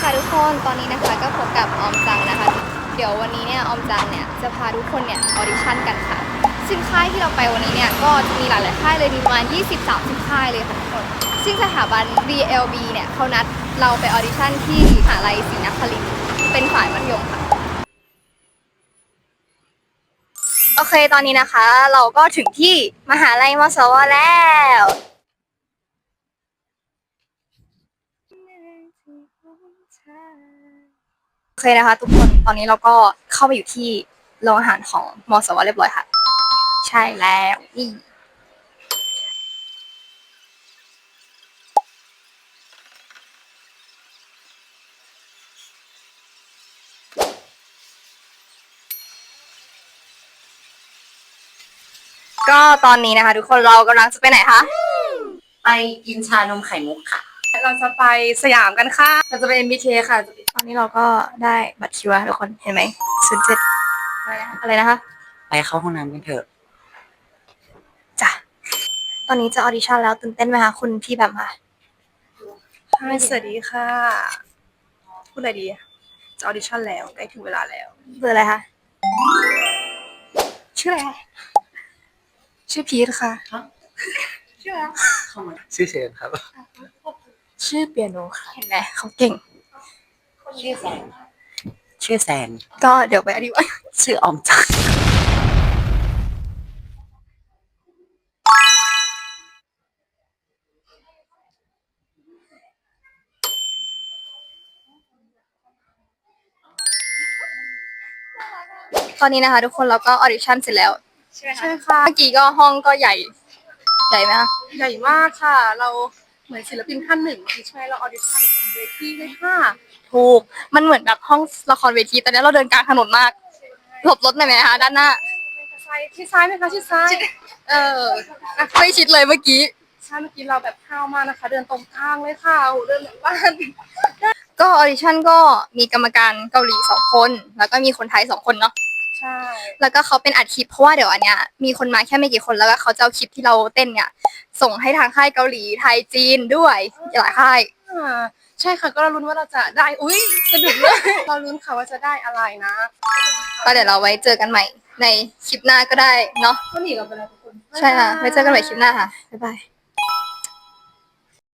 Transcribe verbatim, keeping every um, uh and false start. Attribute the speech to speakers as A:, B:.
A: ค่ะทุกคนตอนนี้นะคะก็พบกับออมจังนะคะเดี๋ยววันนี้เนี่ยออมจังเนี่ยจะพาทุกคนเนี่ยออดิชั่นกันค่ะซึ่งค่ายที่เราไปวันนี้เนี่ยก็จะมีหลายๆค่ายเลยมีประมาณ ยี่สิบถึงสามสิบ ค่ายเลยค่ะทุกคนซึ่งสถาบัน ดี แอล บี เนี่ยเขานัดเราไปออดิชั่นที่มหาลัยศรีนครินทร์เป็นฝ่ายมัธยมค่ะโอเคตอนนี้นะคะเราก็ถึงที่มหาลัยมศวแล้วโอเคนะคะทุกคนตอนนี้เราก็เข้าไปอยู่ที่โรงอาหารของมศวเรียบร้อยค่ะใช่แล้วนี่ก็ตอนนี้นะคะทุกคนเรากำลังจะไปไหนคะ
B: ไปกินชานมไข่มุกค่ะ
A: เราจะไปสยามกันค่ะเราจะไป เอ็ม บี เค ค่ะตอนนี้เราก็ได้บัตรคิวแล้วทุกคนเห็นไหมศูนย์เจ็ดอะไรนะคะ
B: ไปเข้าห้องน้ำกันเถอะ
A: จ้ะตอนนี้จะออดิชั่นแล้วตื่นเต้นไหมคะคุณพี่แบบมา
C: สวัสดีค่ะพูดอะไรดีจะออดิชั่นแล้วใกล้ถึงเวลาแล้ว
A: เบอร์อะไรคะชื่ออะไรคะ
C: ชื่อพีทค่ะ
A: ชื่ออะไร
B: ชื่อเชนครับ
C: ชื่อเปียโนค่ะ
A: เห็นไหมเขาเก่ง
B: ชื่อแซนชื่อแซน
A: ก็เดี๋ยวไปอธิบาย
B: ชื่อออมจัง
A: ตอนนี้นะคะทุกคนเราก็ออดิชั่นเสร็จแล้วใช่ไหมคะ
C: ใช่ค่ะ
A: เมื่อกี้ก็ห้องก็ใหญ่ใหญ่ไหมคะ
C: ใหญ่มากค่ะ เราเหมือนศิลปินท่านหนึ่งที่ช่วยเราออดิชั่นของเวทีเลยค่ะ
A: ถูกมันเหมือนแบบห้องละครเวทีตอนนี้เราเดินกลางถนนมากหลบรถหน่อยไหมคะด้านหน้า
C: ชิดซ้ายไหมคะชิดซ้าย
A: เออไม่ชิดเลยเมื่อกี้
C: ใช่เมื่อกี้เราแบบข้าวมากนะคะ เดินตรงกลางเลยค่ะโอ้โหเดินเหมือนบ้าน
A: ก็ออดิชั่นก็มีกรรมการเกาหลีสองคน แล้วก็มีคนไทยสองคนเนาะ
C: ใช่
A: แล้วก็เขาเป็นอัดคลิปเพราะว่าเดี๋ยวอันเนี้ยมีคนมาแค่ไม่กี่คนแล้วก็เขาจะเอาคลิปที่เราเต้นเนี่ยส่งให้ทางค่ายเกาหลีไทยจีนด้วยหลายค่าย
C: อ่าใช่ค่ะก็เราลุ้นว่าเราจะได้อุ้ยสะดุดเลยเราลุ้นค่ะว่าจะได้อะไรนะ
A: ก็เดี๋ยวเราไว้เจอกันใหม่ในคลิปหน้าก็ได้เนาะ
C: ก็หนีเราไปแล้วทุกคน
A: ใช่ค่ะไว้เจอกันใหม่คลิปหน้าค่ะบ๊ายบาย